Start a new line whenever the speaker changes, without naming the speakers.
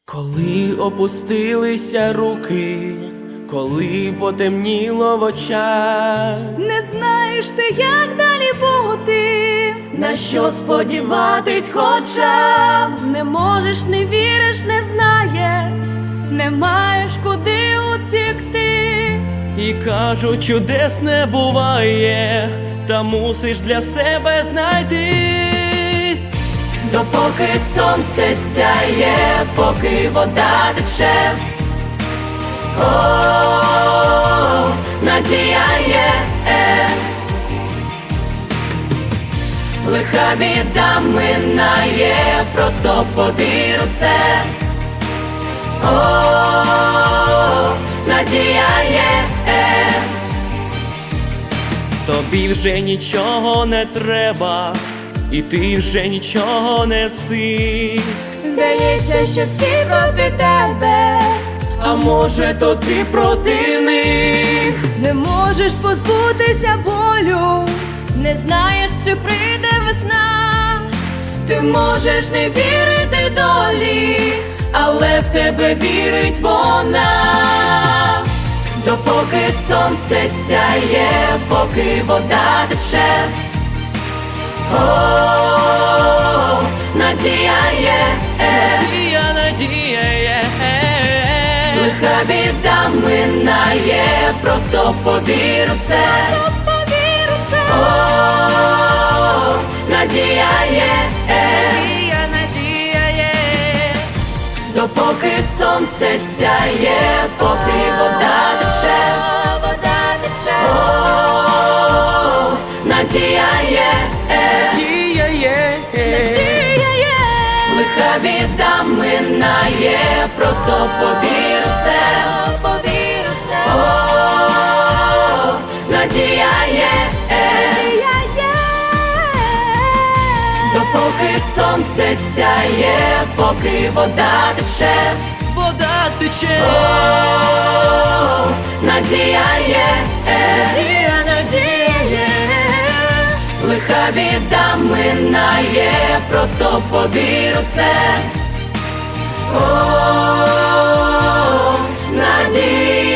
Коли опустилися руки, коли потемніло в очах,
не знаєш ти, як далі бути,
на що сподіватись хоча б.
не можеш, не віриш, не знаєш, не маєш куди утікти.
І кажуть, чудес не буває, та мусиш для себе знайти. Допоки сонце сяє, поки вода тече, о, надія є, лиха біда минає, просто повір у це, о, надія є, тобі вже нічого не треба, і ти вже нічого не встиг.
Здається, що всі проти тебе,
А може, то ти проти них?
не можеш позбутися болю, не знаєш, чи прийде весна.
Ти можеш не вірити долі, але в тебе вірить вона. Допоки сонце сяє, поки вода тече, о, надія є, надія є, лиха біда минає, просто повір у це, о, надія є,
надія є.
допоки сонце сяє, поки вода тече, о, надія є, лиха біда минає, просто повір у це, о, надія є, допоки сонце сяє, поки вода тече, о, надія є, лиха біда минає, просто повір у це, о, надія.